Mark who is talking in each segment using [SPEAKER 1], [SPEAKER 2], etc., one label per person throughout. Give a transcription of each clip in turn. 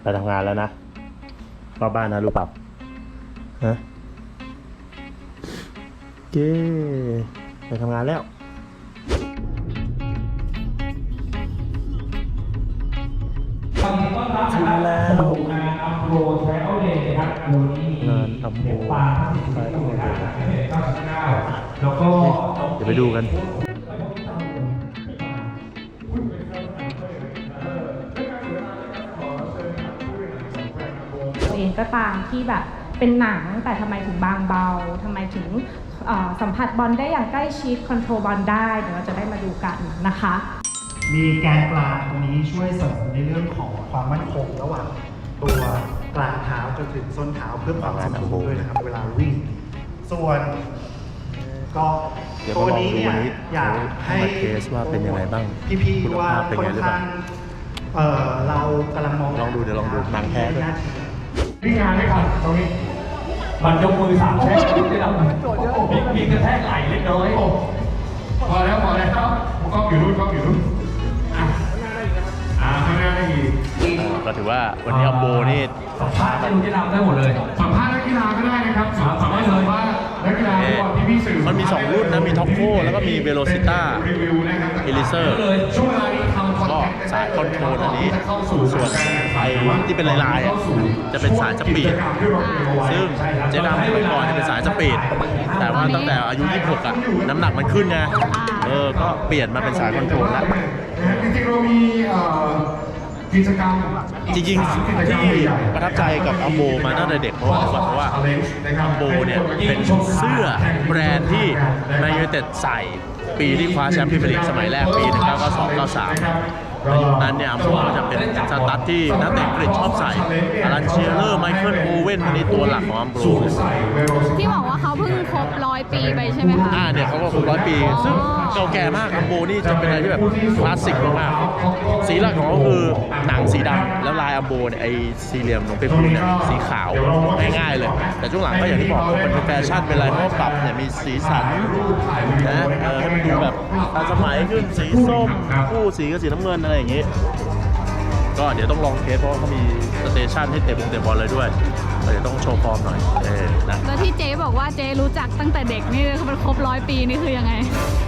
[SPEAKER 1] ไปทำงานแล้วนะเข้าบ้านนะรู้เปล่าฮะเย้ไปทำงานแล้วถึงแล้วงานอัมโบไทรอัลเดย์นะครับงานอัมโบไทรอัลเดย์แล้วก็เดี๋ยวไปดูกัน
[SPEAKER 2] ตัวเองก็ตามที่แบบเป็นหนังแต่ทำไมถึงบางเบาทำไมถึงสัมผัสบอลได้อย่างใกล้ชิดคอนโทรลบอลได้เดี๋ยวเราจะได้มาดูกันนะคะ
[SPEAKER 3] มีแกนกลางตรงนี้ช่วยเสริมในเรื่องของความมั่นคงระหว่างตัวกลางเท้าจนถึงส้นเท้าเพื่อความสมดุลด้วยนะครับเวลาวิ่งส่วนก็ตัวนี้เนี่ยอยากให้
[SPEAKER 1] เทสว่าเป็นยังไงบ้าง
[SPEAKER 3] พี่ๆว่าค่อนข้างเรากำลังมอง
[SPEAKER 1] ลองดูเดี๋ยวลองดูหนังแท้ด้วย
[SPEAKER 4] วิ่งงานไม่ทันตรงนี้มันยกมือ3แช่ได้รับมีกระแทกไหล่เล็กน้อยพอแล้วกล้องอยู่นู่นข้างหน้าได้อีก
[SPEAKER 1] ก็ถือว่าวันนี้อัมโบนี่
[SPEAKER 4] สัมภาษณ์นักกีฬาได้หมดเลยสัมภาษณ์นักกีฬาก็ได้นะครับสามารถสัมภาษณ์นักกีฬาก่อนที่พี่สื่อ
[SPEAKER 1] มันมี2รุ่นนะมีท็อปโฟแล้วก็มีเวโรซิต้าเอลิเซอร์ก็สายคอนโทรลอันนี้ส่วนไอ้ที่เป็นลายๆจะเป็นสายสปีดซึ่งเจดำเมื่อก่อนจะเป็นสายสปีดแต่ว่าตั้งแต่อายุ26อ่ะน้ำหนักมันขึ้นไงก็เปลี่ยนมาเป็นสายคอนโทรลแล้ว
[SPEAKER 4] จริงๆเรามีกิจกรรม
[SPEAKER 1] จริงๆที่ประทับใจกับอัมโบมาตั้งแต่เด็กเพราะว่าอัมโบเนี่ยเป็นเสื้อแบรนด์ที่แมนยูไนเต็ดใส่ปีที่คว้าแชมป์พรีเมียร์ลีกสมัยแรกปี1992-93ในยุคนั้นเนี่ยอัมโบจะเป็นสตั๊ดที่นักเตะอังกฤษชอบใส่อารันเชียร์เลอร์ไมเคิลโอเว่นนี่ตัวหลักของอัมโบ
[SPEAKER 2] ที่บอกว่าเขาเพิ่งครบ100 ปีไปใช่ไหมคะ
[SPEAKER 1] เนี่ยเขาก็ครบ100 ปีซึ่งเก่าแก่มากอัมโบนี่จะเป็นอะไรที่แบบคลาสสิกมากๆสีหลักของเขาคือหนังสีดำแล้วลายอัมโบเนี่ยไอ้สี่เหลี่ยมของเปปูเนี่ยสีขาวง่ายๆเลยแต่ช่วงหลังก็อย่างที่บอกมันเป็นแฟชั่นเป็นอะไรเพราะปรับเนี่ยมีสีสันนะให้มันดูแบบทันสมัยขึ้นสีส้มคู่สีกับสีน้ำเงินอะไรอย่างงี้ก็เดี๋ยวต้องลองเทสเพราะเขามีสเตชันให้เตะบอลเลยด้วยเดี๋ยวต้องโชว์ฟอร์มหน่อยนะ
[SPEAKER 2] แล้วที่เจ๊บอกว่าเจ๊รู้จักตั้งแต่เด็กนี่มันครบ100 ปีนี่คือยังไง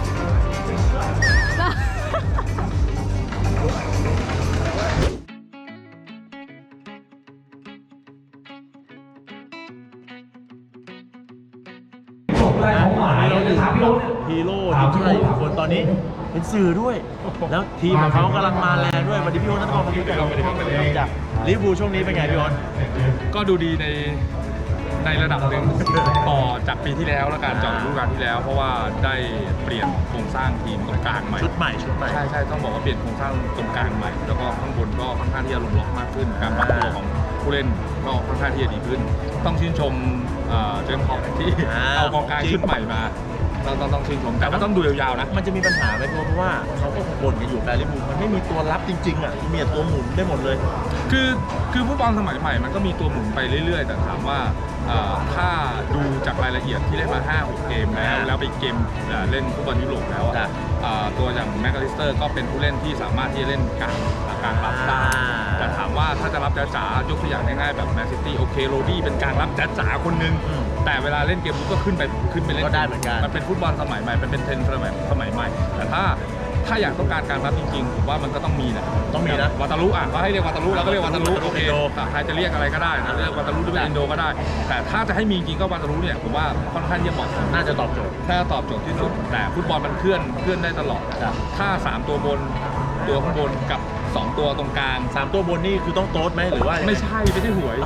[SPEAKER 1] ฮีโร่ทีมชาติคนตอนนี้เป็นสื่อด้วยแล้วทีมของเขากำลังมาแรงด้วยวันนี้พี่โอ๊ตนัทกรมาดูจากลิเวอร์พูลช่วงนี้เป็นไงพี่โอ๊ต
[SPEAKER 5] ก็ดูดีในระดับหนึ่งต่อจากปีที่แล้วและการเจาะฤดูกาลที่แล้วเพราะว่าได้เปลี่ยนโครงสร้างทีมตรงกลางใหม่
[SPEAKER 1] ชุดใหม่
[SPEAKER 5] ใช่ต้องบอกว่าเปลี่ยนโครงสร้างตรงกลางใหม่แล้วก็ข้างบนก็ค่อนข้างที่จะลงล็อกมากขึ้นการปรับตัวของผู้เล่นก็ค่อนข้างที่จะดีขึ้นต้องชื่นชมเจมส์ฮอปที่เอากองกลางชุดใหม่มาต้องชื่นชมแต่ก็ต้องดูยาวๆนะ
[SPEAKER 1] มันจะมีปัญหาไหมเพราะว่าเขาก็บ่นกันอยู่แต่ลิเวอร์พูลมันไม่มีตัวรับจริงๆมีแต่ตัวหมุนได้หมดเลย
[SPEAKER 5] คือฟุตบอลสมัยใหม่มันก็มีตัวหมุนไปเรื่อยๆแต่ถามว่าถ้าดูจากรายละเอียดที่เล่นมา 5-6 เกมแล้วไปเกมเล่นฟุตบอลยุโรปแล้วตัวอย่างแม็กอลิสเตอร์ก็เป็นผู้เล่นที่สามารถที่จะเล่นกลางรับได้แต่ถามว่าถ้าจะรับจ๋าๆยกตัวอย่างง่ายๆแบบแมนซิตี้โอเคโรดี้เป็นกลางรับจ๋าๆคนนึงแต่เวลาเล่นเกมก็ขึ้นไปเล่น
[SPEAKER 1] ก็ได้เหมือนกัน
[SPEAKER 5] มันเป็นฟุตบอลสมัยใหม่มันเป็นเทรนด์สมัยใหม่แต่ถ้าอยากต้องการการรับจริงๆผมว่ามันก็ต้องมีนะวาตาลุก็ให้เรียกวาตาลุเราก็เรียกวาตาลุโอเคใครจะเรียกอะไรก็ได้นะเรียกวาตาลุหรือเป็นอินโดก็ได้แต่ถ้าจะให้มีจริงก็วาตาลุเนี่ยผมว่าค่อนข้างจะเหมาะ
[SPEAKER 1] น่าจะตอบโจทย์
[SPEAKER 5] ที่สุดแต่ฟุตบอลมันเคลื่อนได้ตลอดถ้า3ตัวบนตัวข้างบนกับ2ตัวตรงกลาง
[SPEAKER 1] 3ตัวบนนี่คือต้องโต๊ดไหมหรือว่า
[SPEAKER 5] ไม่ใช่หวย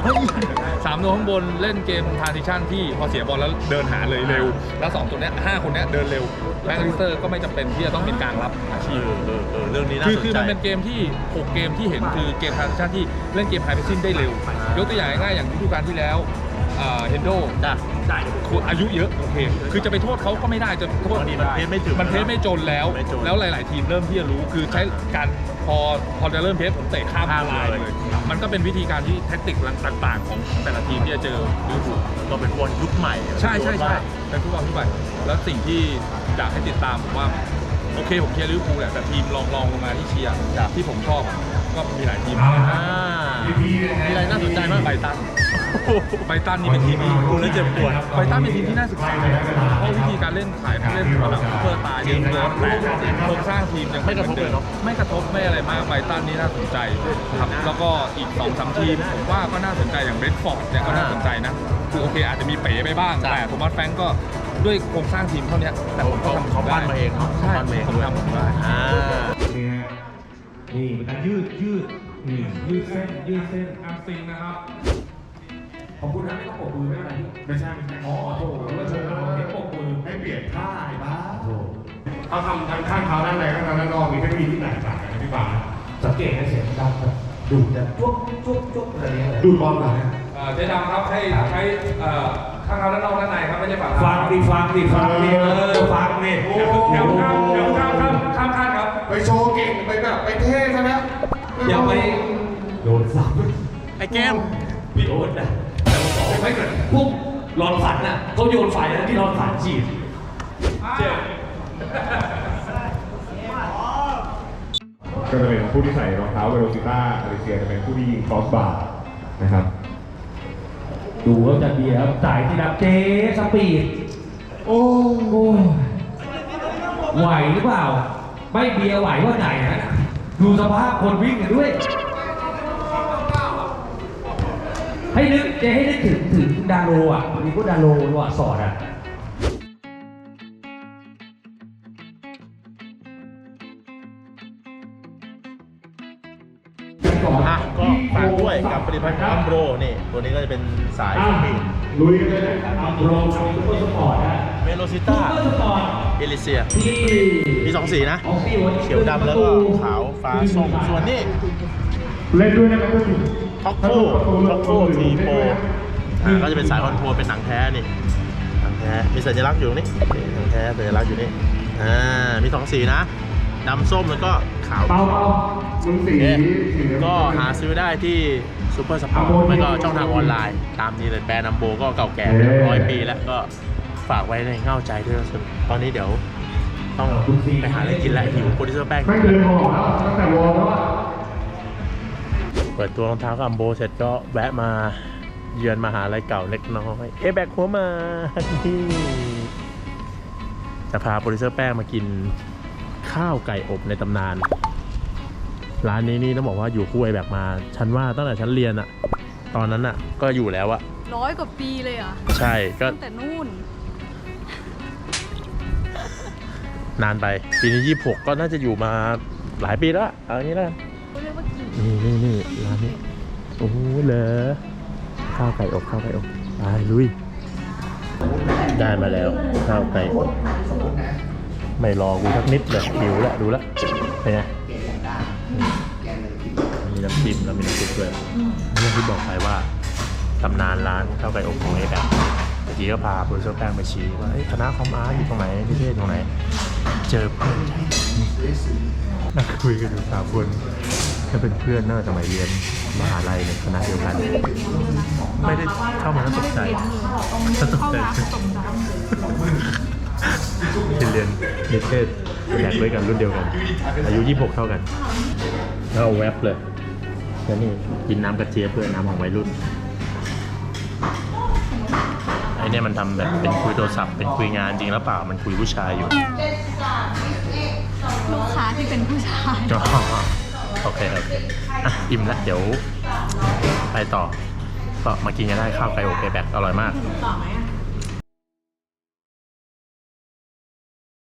[SPEAKER 5] 3ตัวข้างบนเล่นเกมทรานซิชั่นที่พอเสียบอลแล้วเดินหาเลยเร็วแล้ว2ตัวเนี้ย5คนเนี้ยเดินเร็วแม็กอลิสเตอร์ก็ไม่จำเป็นที่จะต้องเป็นกลางรับอาชีพ
[SPEAKER 1] เรื่องนี้น่าสนใจ
[SPEAKER 5] คือมันเป็นเกมที่6เกมที่เห็นคือเกมทรานซิชั่นที่เล่นเกมไฮเพรสซิ่งได้เร็วยกตัวอย่างง่ายๆอย่างฤดูกาลที่แล้วเฮนโดอายุเยอะโอเคคือจะไปโทษเขาก็ไม่ได้จะโทษ
[SPEAKER 1] มันเพจไม่ถึง
[SPEAKER 5] มันเพจไม่จนแล้วหลายๆทีมเริ่มที่จะรู้คือใช้การพอจะเริ่มเพจผมเตะข้ามลายเลยมันก็เป็นวิธีการที่แทคติกต่างๆของแต่ละทีมที่จะเจอลิเวอร์พูล
[SPEAKER 1] ก็เป็นฟุตบอลยุคใหม่
[SPEAKER 5] ใช่เป็นฟุตบอลยุคใหม่แล้วสิ่งที่อยากให้ติดตามผมว่าโอเคผมเชียร์ลิเวอร์พูลแหละแต่ทีมลองลงมาที่เชียร์ที่ผมชอบก็มีหลายทีม
[SPEAKER 1] มีอะไรน่าสนใจบ้าง
[SPEAKER 5] ไบตันไบตันนี่เป็นทีมที่
[SPEAKER 1] ดูแล้วเจ็บปวด
[SPEAKER 5] ไบตันเป็นทีมที่น่าศึกษาเพราะวิธีการเล่นขายเล่นแบบซุปเปอร์สตาร์เยอะเกินแต่โครงสร้างทีมยัง
[SPEAKER 1] ไม่กระทบเลยเนาะ
[SPEAKER 5] ไม่กระทบไม่อะไรมากไบตันนี่น่าสนใจครับแล้วก็อีก 2-3 ทีมผมว่าก็น่าสนใจอย่างเบรนท์ฟอร์ดเนี่ยก็น่าสนใจนะคือโอเคอาจจะมีเป๋ไปบ้างแต่ผมว่าแฟรงก์ก็ด้วยโครงสร้างทีมเท่านี้แต่ผมก็ทำ
[SPEAKER 1] เขาปั้นมาเองเนาะ
[SPEAKER 5] ใช่
[SPEAKER 1] ปั้นมาเอง
[SPEAKER 5] ผม
[SPEAKER 1] ด้วย
[SPEAKER 5] ทำผมได้
[SPEAKER 1] อ่า
[SPEAKER 4] นี่ฮะนี่เป็นการยืดยืดเส้นอัพซิงนะครับขอบคุณนะไม่ต้องปกมือไม่อะไรไม่ใช่อ๋อโถว่าเธอให้ปกมือให้เปลี่ยนท่าไอ้บ้าโถเขาทำทั้งข้างเท้าด้านในข้างเท้าด้านนอกมีเทคนิคที่แตกต่างกันนะพี่ปาสังเกตให้เสียงดังแบบดูดแบบจุ๊บอะไรเงี้ยดูดบอลเหรอเนี่ย
[SPEAKER 5] เจ๊ดำครับให้ใช้ข้างเราด้านนอกด้านในครับไม่ใช่ฝั่ง
[SPEAKER 4] ฟังดิฟังดิฟังดิฟังดิ
[SPEAKER 5] เดี๋ยวข้ามขั้นครับ
[SPEAKER 6] ไปโชว์เก่งไปแบบไปเท่ซะนะ
[SPEAKER 4] อย่าไปโดนซ้
[SPEAKER 1] ไอเกม
[SPEAKER 4] ำพี่โอ๊ตนะแต่ผมบอกไม่เกิดพวกรอนฝันน่ะเขาโยนไฟนะที่รอนฝันฉีดเจ็บ
[SPEAKER 7] ก็จะเป็นผู้ที่ใส่รองเท้าเวโรซิต้าอาริเซียจะเป็นผู้ที่ยิงครอสบาร์นะครับ
[SPEAKER 4] ดูเขาจะเบียร์จ่ายที่นับเจสปีดโอ้ไหวหรือเปล่า ไม่เบียร์ไหวว่าไหนนะดูสภาพคนวิ่งกันด้วย ให้นึกถึงดาโลอ่ะมีพวกดาโลว่ะสอดอ่ะ
[SPEAKER 1] อ่ะก็ฝากด้วยกับผลิตภัณฑ์อัมโบรนี่ตัวนี้ก็จะเป็นสายสปีด
[SPEAKER 4] ลุยกันเลยนะครับโรซุปเปอร์สปอร์ตนะ
[SPEAKER 1] เวโรซิต้า
[SPEAKER 4] ซุปเปอร์สปอร์ต
[SPEAKER 1] เอลิเซีย
[SPEAKER 4] ที่
[SPEAKER 1] มี2สีนะ
[SPEAKER 4] ออกซี่วันนี้
[SPEAKER 1] เขียวดำแล้วก็ขาวฟ้าส้มส่วนนี้
[SPEAKER 7] เล่นด้วยนะครับก็คือ
[SPEAKER 1] ท็อกโคทีโปก็จะเป็นสายคอนโทรลเป็นหนังแท้นี่หนังแท้มีสัญลักษณ์อยู่นี่หนังแท้สัญลักษณ์อยู่นี่มี2สีนะดำส้มแล้วก็ขาว
[SPEAKER 7] เปามึงสี
[SPEAKER 1] โอเค
[SPEAKER 7] สีเหลือง
[SPEAKER 1] ก็หาซื้อได้ที่ซูเปอร์สปอร์ตไม่ก็ช่องทางออนไลน์ ตามนี้เลยแบรนด์นัมโบก็เก่าแก่100 ปีแล้วก็ฝากไว้ในเง่าใจด้วยนะตอนนี้เดี๋ยวต้องไปหาอะไรกินแล้วหิวโปรดิวเซอร์แป้ง
[SPEAKER 7] ไม่เดินหอแล้วตั้งแต่วอร์มแล้วอะ
[SPEAKER 1] เปิดตัวรองเท้ากับอัมโบเสร็จก็แวะมาเยือนมหาลัยเก่าเล็กน้อยแบกหัวมาที่จะพาโปรดิวเซอร์แป้งมากินข้าวไก่อบในตำนานร้านนี้นี่ต้องบอกว่าอยู่คู่ไอแบกมาฉันว่าตั้งแต่ฉันเรียนอะตอนนั้นอะก็อยู่แล้วอะ
[SPEAKER 8] 100 กว่าปีเลยเหรอ่ะ
[SPEAKER 1] ใช่ก็
[SPEAKER 8] ตั้งแต่นู่น
[SPEAKER 1] นานไปปีนี้26ก็น่าจะอยู่มาหลายปีแล้วอะเอาอย่างนี้แล้วกัน
[SPEAKER 8] เขาเรียกว่ากี่
[SPEAKER 1] นี่ร้านนี้โอ้โหเหรอข้าวไก่อบไปลุยได้มาแล้วข้าวไก่อบไม่รอกูสักนิดเลยหิวแล้วดูแล้วเป็นไงมีน้ำจิ้มแล้วมีน้ำซุปด้วยเรื่องที่บอกไปว่าตำนานร้านข้าวไก่อบของไอ้แบบเมื่อกี้ก็พาโปรดิวเซอร์แป้งไปชี้ว่าคณะคอมอาร์ตอยู่ตรงไหนนิเทศตรงไหนเจอเพื่อนนั่งคุยกันอยู่3 คนถ้าเป็นเพื่อนน่าจะสมัยเรียนมหาลัยในคณะเดียวกัน ไม่ได้เข้ามาแล้วตกใจที่เรียนนิเทศแลกด้วยกันรุ่นเดียวกัน อายุ26เท่ากันแล้วเอาแวบเลยแล้วนี่กินน้ำกระเจี๊ยบเพื่อน้ำของวัยรุ่นไอเนี่ยมันทำแบบเป็นคุยโทรศัพท์เป็นคุยงานจริงแล้วเปล่ามันคุยผู้ชายอยู่
[SPEAKER 8] ลูกค้าที่เป็นผู้ชาย
[SPEAKER 1] โอเคอ่ะอิ่มแล้วเดี๋ยวไปต่อก็มากินกันได้ข้าวไก่อบแบกอร่อยมาก
[SPEAKER 8] ต่อไหมอ่ะ